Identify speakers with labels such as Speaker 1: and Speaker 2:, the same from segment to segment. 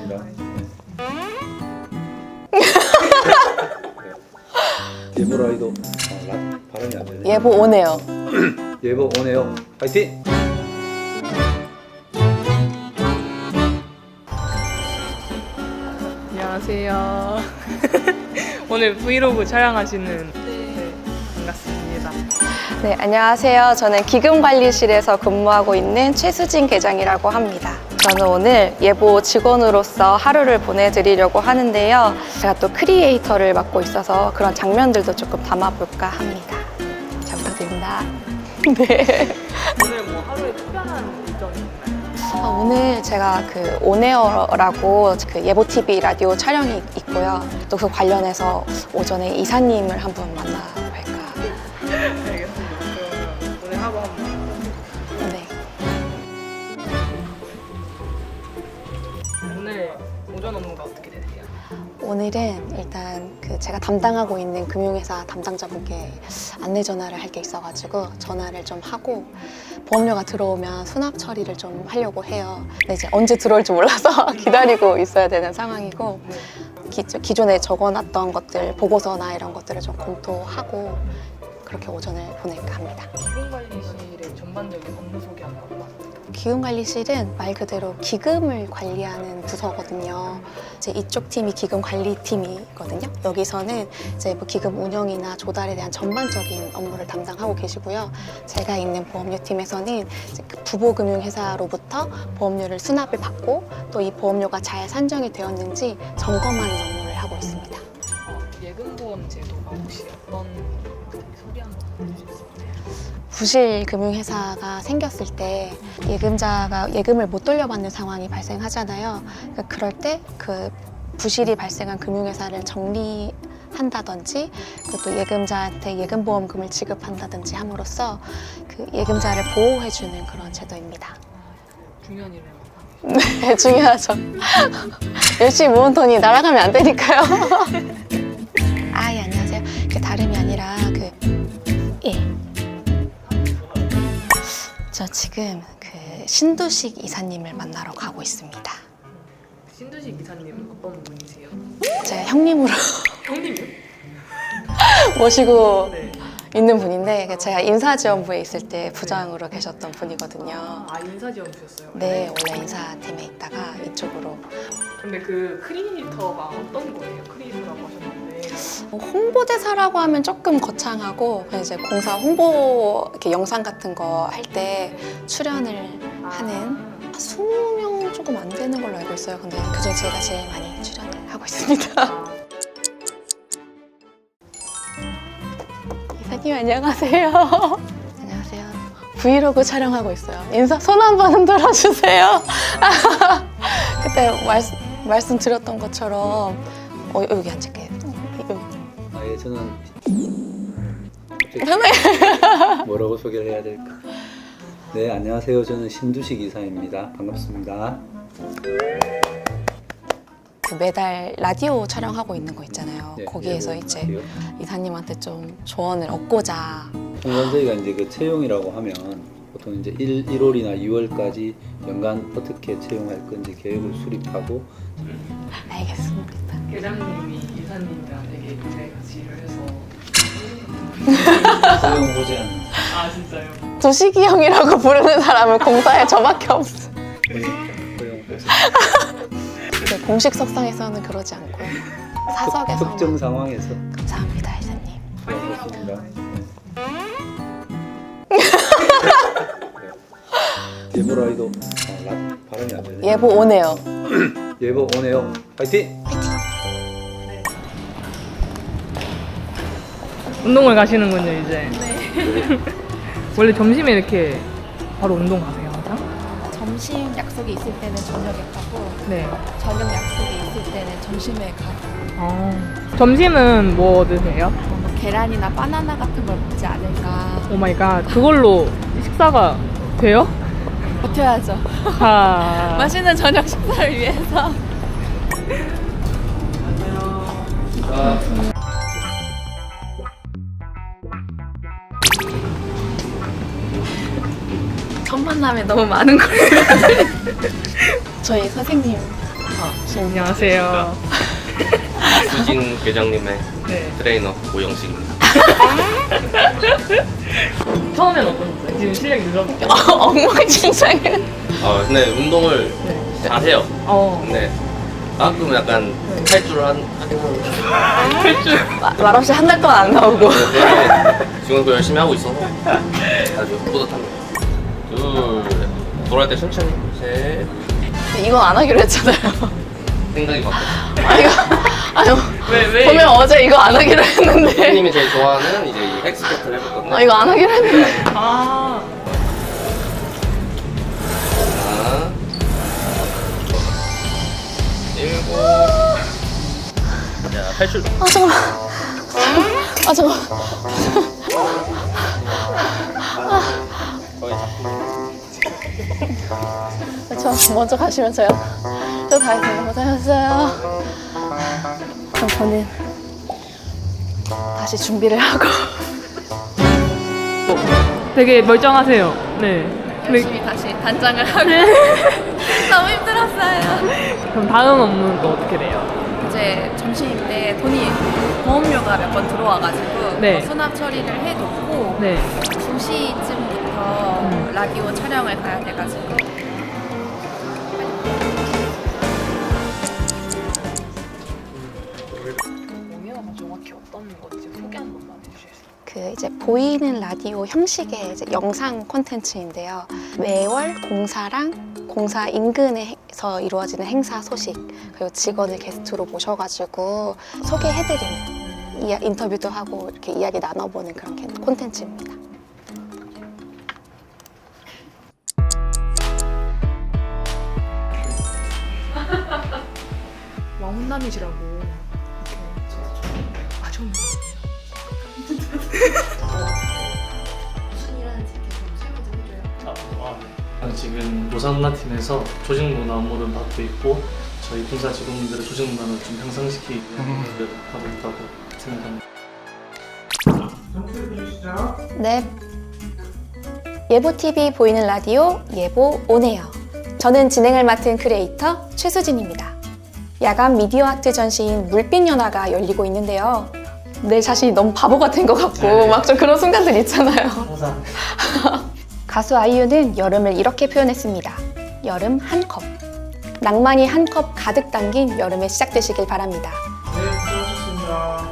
Speaker 1: 반갑습니다. 예보라이도 발음이 안 되네.
Speaker 2: 예보 오네요.
Speaker 1: 예보 오네요. 파이팅!
Speaker 3: 안녕하세요. 오늘 브이로그 촬영하시는 반갑습니다.
Speaker 2: 네, 안녕하세요. 저는 기금관리실에서 근무하고 있는 최수진 계장이라고 합니다. 저는 오늘 예보 직원으로서 하루를 보내드리려고 하는데요. 제가 또 크리에이터를 맡고 있어서 그런 장면들도 조금 담아볼까 합니다. 잘 부탁드립니다. 네.
Speaker 3: 오늘 뭐 하루에 특별한 일정이 있나요?
Speaker 2: 오늘 제가 그 온에어라고 그 예보 TV 라디오 촬영이 있고요. 또 그 관련해서 오전에 이사님을 한분 만나볼까.
Speaker 3: 알겠습니다. 그러면 오늘 하루 한번.
Speaker 2: 네.
Speaker 3: 오늘 오전 업무가 어떻게 되세요?
Speaker 2: 오늘은 일단 그 제가 담당하고 있는 금융회사 담당자분께 안내 전화를 할 게 있어가지고 전화를 좀 하고 보험료가 들어오면 수납 처리를 좀 하려고 해요. 근데 이제 언제 들어올지 몰라서 기다리고 있어야 되는 상황이고 기존에 적어놨던 것들 보고서나 이런 것들을 좀 검토하고 그렇게 오전을 보낼까 합니다.
Speaker 3: 기금관리실의 전반적인 업무 소개 한번 부탁드립니다.
Speaker 2: 기금관리실은 말 그대로 기금을 관리하는 부서거든요. 이제 이쪽 팀이 기금관리팀이거든요. 여기서는 이제 뭐 기금 운영이나 조달에 대한 전반적인 업무를 담당하고 계시고요. 제가 있는 보험료팀에서는 이제 그 부보금융회사로부터 보험료를 수납을 받고 또 이 보험료가 잘 산정이 되었는지 점검하는 업무를 하고 있습니다.
Speaker 3: 예금보험 제도가 혹시 어떤 소개 한번 해주실 수 있나요?
Speaker 2: 부실 금융회사가 생겼을 때 예금자가 예금을 못 돌려받는 상황이 발생하잖아요. 그러니까 그럴 때 그 부실이 발생한 금융회사를 정리한다든지 또 예금자한테 예금보험금을 지급한다든지 함으로써 그 예금자를 보호해주는 그런 제도입니다.
Speaker 3: 중요한 일을
Speaker 2: 네, 중요하죠. 열심히 모은 돈이 날아가면 안 되니까요. 아, 예, 안녕하세요. 그 다름이 아니라 저 지금 그 신두식 이사님을 만나러 가고 있습니다.
Speaker 3: 신두식 이사님은 어떤 분이세요?
Speaker 2: 제가 형님으로
Speaker 3: 형님이요?
Speaker 2: 모시고
Speaker 3: 네.
Speaker 2: 있는 분인데 제가 인사지원부에 있을 때 부장으로 계셨던 분이거든요.
Speaker 3: 아 인사지원 주셨어요?
Speaker 2: 네, 원래 인사팀에 있다가 이쪽으로.
Speaker 3: 근데 그 크리에이터가 어떤 거예요? 크리에이터라고 하셨는데
Speaker 2: 홍보대사라고 하면 조금 거창하고 그냥 이제 공사 홍보 이렇게 영상 같은 거 할 때 출연을 하는 20명 조금 안 되는 걸로 알고 있어요. 근데 그중에 제가 제일 많이 출연을 하고 있습니다. 이사님 안녕하세요. 안녕하세요. 브이로그 촬영하고 있어요. 인사 손 한번 흔들어 주세요. 그때 말씀드렸던 것처럼 여기 앉을게요.
Speaker 1: 예, 저는 뭐라고 소개를 해야 될까? 네, 안녕하세요. 저는 신두식 이사입니다. 반갑습니다.
Speaker 2: 매달 라디오 촬영하고 있는 거 있잖아요.
Speaker 1: 네,
Speaker 2: 거기에서
Speaker 1: 네,
Speaker 2: 이제
Speaker 1: 라디오.
Speaker 2: 이사님한테 좀 조언을 얻고자.
Speaker 1: 통상 저희가 이제 그 채용이라고 하면 보통 이제 1월이나 2월까지 연간 어떻게 채용할 건지 계획을 수립하고
Speaker 2: 알겠습니다.
Speaker 3: 계장님이 이사님이랑 되게 오래 같이 일을 해서
Speaker 1: 채용 보지 않는
Speaker 3: 아 진짜요?
Speaker 2: 두식이 형이라고 부르는 사람은 공사에 저밖에 없어.
Speaker 1: 채용 보지
Speaker 2: 네, 공식 석상에서는 그러지 않고요. 사석에서.
Speaker 1: 특정 상황에서
Speaker 2: 감사합니다, 이사님.
Speaker 1: 반갑습니다. 예보라이도 발음이 안 되네.
Speaker 2: 예보 오네요.
Speaker 1: 예보 오네요. 파이팅!
Speaker 3: 운동을 가시는군요 이제. 네. 원래 점심에 이렇게 바로 운동 가세요 항상?
Speaker 4: 점심 약속이 있을 때는 저녁에 가고
Speaker 3: 네.
Speaker 4: 저녁 약속이 있을 때는 점심에 가고
Speaker 3: 점심은 뭐 드세요?
Speaker 4: 뭐 계란이나 바나나 같은 걸 먹지 않을까
Speaker 3: 오 마이 갓. 그걸로 식사가 돼요?
Speaker 4: 버텨야죠.
Speaker 3: 아.
Speaker 4: 맛있는 저녁 식사를 위해서.
Speaker 2: 첫 만남에 너무 많은 걸. 저희 선생님
Speaker 3: 안녕하세요.
Speaker 5: 수진 회장님의
Speaker 3: 네.
Speaker 5: 트레이너 오영식입니다.
Speaker 3: 처음엔 어떠셨어요? 지금 실력이 늘었죠?
Speaker 2: 엉망진창이야.
Speaker 5: 근데 운동을 잘해요. 근데 가끔 약간 탈주를 하긴 하고
Speaker 2: 말없이 한 달 동안 안 나오고.
Speaker 5: 지금도 열심히 하고 있어서 아주 뿌듯합니다. 둘, 돌아갈 때 천천히. 셋,
Speaker 2: 이건 안 하기로 했잖아요.
Speaker 5: 생각이 바뀌었어.
Speaker 2: 아유,
Speaker 3: 왜?
Speaker 2: 보면 어제 이거 안 하기로 했는데.
Speaker 5: 선생님이 제일 좋아하는 이제 이 헥스쿼트를 해봤거든요.
Speaker 2: 이거 안 하기로 했는데.
Speaker 3: 아.
Speaker 5: 하나, 7. 자, 탈출.
Speaker 2: 잠깐만.
Speaker 5: 거의
Speaker 2: 저 먼저 가시면 저 다 했어요. 고생하셨어요. 그럼 저는 다시 준비를 하고.
Speaker 3: 되게 멀쩡하세요. 네.
Speaker 4: 열심히 다시 단장을 하고 너무 힘들었어요.
Speaker 3: 그럼 다음 업무는 또 어떻게 돼요?
Speaker 4: 이제 점심때 보험료가 몇 번 들어와가지고
Speaker 3: 네.
Speaker 4: 수납 처리를 해놓고
Speaker 3: 네.
Speaker 4: 2시쯤부터 라디오 촬영을 가야 돼가지고
Speaker 3: 공연가 정확히 어떤 건지 소개 한 번만 해주실까요?
Speaker 2: 그 이제 보이는 라디오 형식의 이제 영상 콘텐츠인데요. 매월 공사랑 공사 인근에서 이루어지는 행사 소식 그리고 직원을 게스트로 모셔가지고 소개해드리는 인터뷰도 하고 이렇게 이야기 나눠보는 그런 콘텐츠입니다.
Speaker 3: 왕훈남이시라고 이렇게 아셨는
Speaker 6: 지금 노사문화팀에서 조직문화 업무를 맡고 있고 저희 본사 직원분들의 조직문화를 좀 향상시키기 위한 일을 하고 있다고 생각합니다.
Speaker 2: 네. 예보TV 보이는 라디오 예보 오네요. 저는 진행을 맡은 크리에이터 최수진입니다. 야간 미디어 아트 전시인 물빛연화가 열리고 있는데요. 내 자신이 너무 바보 같은 것 같고 막 좀 그런 순간들 있잖아요.
Speaker 6: 항상
Speaker 2: 가수 아이유는 여름을 이렇게 표현했습니다. 여름 한 컵. 낭만이 한 컵 가득 담긴 여름에 시작되시길 바랍니다.
Speaker 6: 네, 수고하셨습니다.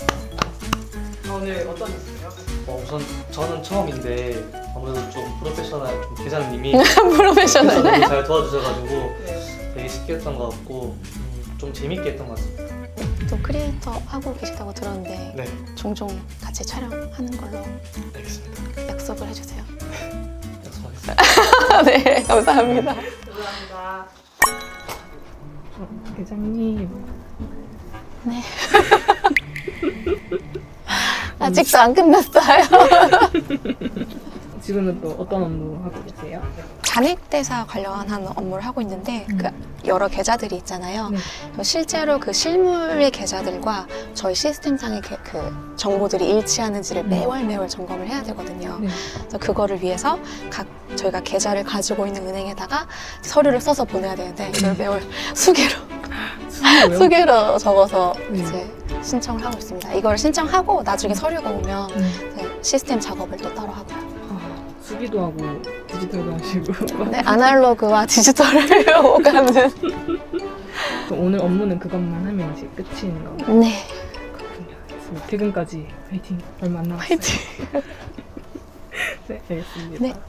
Speaker 3: 오늘 어떠셨어요?
Speaker 6: 우선 저는 처음인데 아무래도 좀 프로페셔널 좀 계장님이
Speaker 2: 프로페셔널.
Speaker 6: 너무 잘 도와주셔가지고 되게 쉽게 했던 것 같고 좀 재밌게 했던 것 같습니다.
Speaker 2: 또 크리에이터 하고 계시다고 들었는데
Speaker 6: 네,
Speaker 2: 종종 같이 촬영하는 걸로
Speaker 6: 알겠습니다.
Speaker 2: 약속을 해주세요.
Speaker 6: 약속하겠습니다.
Speaker 2: 네, 감사합니다.
Speaker 3: 감사합니다. 회장님.
Speaker 2: 네. 아직도 안 끝났어요.
Speaker 3: 지금은 또 어떤 업무 하고 계세요?
Speaker 2: 잔액대사 관련한 업무를 하고 있는데 그 여러 계좌들이 있잖아요.
Speaker 3: 네.
Speaker 2: 실제로 그 실물의 계좌들과 저희 시스템상의 그 정보들이 일치하는지를 매월 점검을 해야 되거든요.
Speaker 3: 네.
Speaker 2: 그래서 그거를 위해서 저희가 계좌를 가지고 있는 은행에다가 서류를 써서 보내야 되는데 이걸 매월 수개로 적어서 이제 신청을 하고 있습니다. 이걸 신청하고 나중에 서류가 오면 이제 시스템 작업을 또 따로 하고요.
Speaker 3: 수기도 하고 디지털도 하시고.
Speaker 2: 네, 아날로그와 디지털을 오가는.
Speaker 3: 그럼 오늘 업무는 그것만 하면 이제 끝인 건가요?
Speaker 2: 네,
Speaker 3: 그렇군요. 알겠습니다. 퇴근까지 화이팅. 얼마 안 남았어요.
Speaker 2: 화이팅.
Speaker 3: 네, 알겠습니다.
Speaker 2: 네.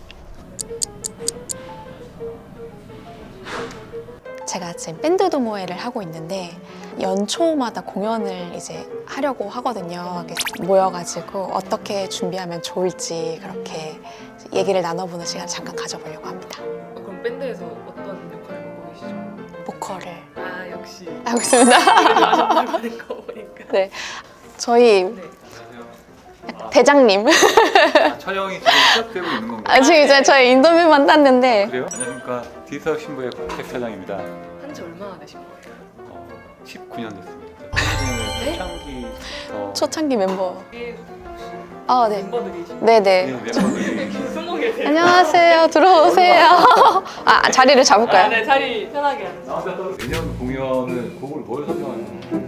Speaker 2: 제가 지금 밴드 동호회를 하고 있는데 연초마다 공연을 이제 하려고 하거든요. 모여가지고 어떻게 준비하면 좋을지 그렇게 얘기를 나눠보는 시간을 잠깐 가져보려고 합니다.
Speaker 3: 그럼 밴드에서 어떤 역할을 맡고 계시죠?
Speaker 2: 보컬을
Speaker 3: 아, 역시.
Speaker 2: 하고 있습니다.
Speaker 3: 하는 거 보니까.
Speaker 2: 네, 저희
Speaker 3: 네.
Speaker 2: 대장님.
Speaker 7: 촬영이 지금 시작되고 있는 건가요?
Speaker 2: 지금 이제 저희 인터뷰만 땄는데
Speaker 7: 그래요? 안녕하십니까. 디지털 신부의 곽택 사장입니다.
Speaker 3: 지 얼마나 되신 거예요?
Speaker 7: 19년 됐습니다.
Speaker 3: 네?
Speaker 7: 초창기
Speaker 2: 초창기 멤버. 아, 네.
Speaker 3: 멤버들이신
Speaker 2: 네네.
Speaker 7: 멤버들이
Speaker 3: 20개
Speaker 2: 안녕하세요. 들어오세요. 아, 자리를 잡을까요?
Speaker 3: 네, 자리 편하게 앉으세요.
Speaker 7: 내년 공연을 곡을 뭘 선정하냐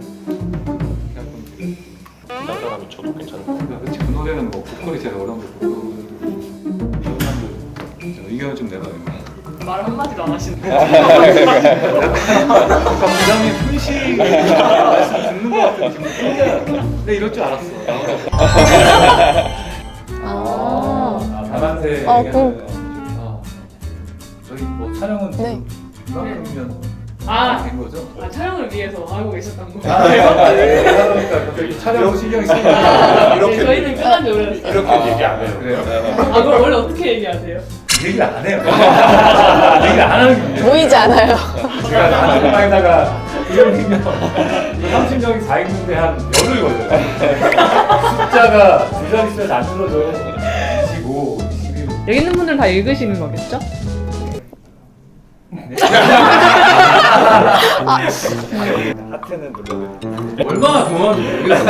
Speaker 5: 딴 사람이 쳐도 괜찮을 것
Speaker 7: 그렇지 그 노래는 뭐 보컬이 제일 어려운데 보컬 사람들 의견을 좀 내봐요.
Speaker 3: 말 한마디도 안 하시는데.
Speaker 7: 약간 부장님 훈시 말씀 듣는 것 같은 기분. 근데 이럴 줄 알았어.
Speaker 2: 아.
Speaker 7: 다만세 저희 뭐 촬영은
Speaker 2: 네.
Speaker 7: 이만큼이면
Speaker 3: 아,
Speaker 7: 된 거죠?
Speaker 3: 촬영을 위해서 알고 계셨던 거예요?
Speaker 7: 그러니까 갑자기 촬영 신경이 쓰이니까
Speaker 3: 네, 저희는 끝난 지 오래됐어요.
Speaker 7: 이렇게 얘기 안 해요. 그래요?
Speaker 3: 아, 그럼 원래 어떻게 얘기하세요?
Speaker 7: 얘기를 안 해요. 얘기를 안 하는 게 문제예요.
Speaker 2: 보이지 않아요.
Speaker 8: 제가 단톡방에다가 이름이면 30명이 다 읽는데 한 열흘 걸려요. 숫자가 두 자릿수에서 안 눌러줘요. 25, 21.
Speaker 3: 여기 있는 분들 다 읽으시는 거겠죠?
Speaker 8: 하트는 눌러요.
Speaker 7: 얼마나 고마운지 모르겠어.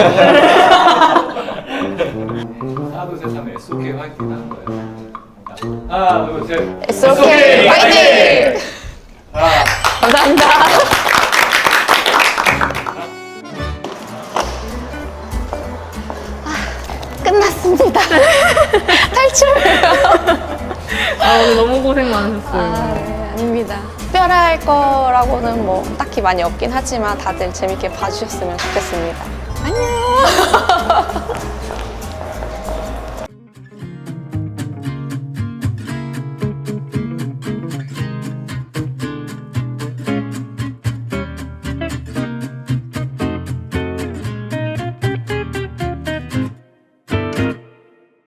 Speaker 7: 하나 둘 셋 하면 SOK 화이팅 하는 거예요. 하나 둘 셋.
Speaker 2: SOK 화이팅! 감사합니다. 끝났습니다. 탈출해요.
Speaker 3: 아, 오늘 너무 고생 많으셨어요.
Speaker 2: 아, 네, 아닙니다. 특별할 거라고는 뭐 딱히 많이 없긴 하지만 다들 재밌게 봐주셨으면 좋겠습니다. 안녕.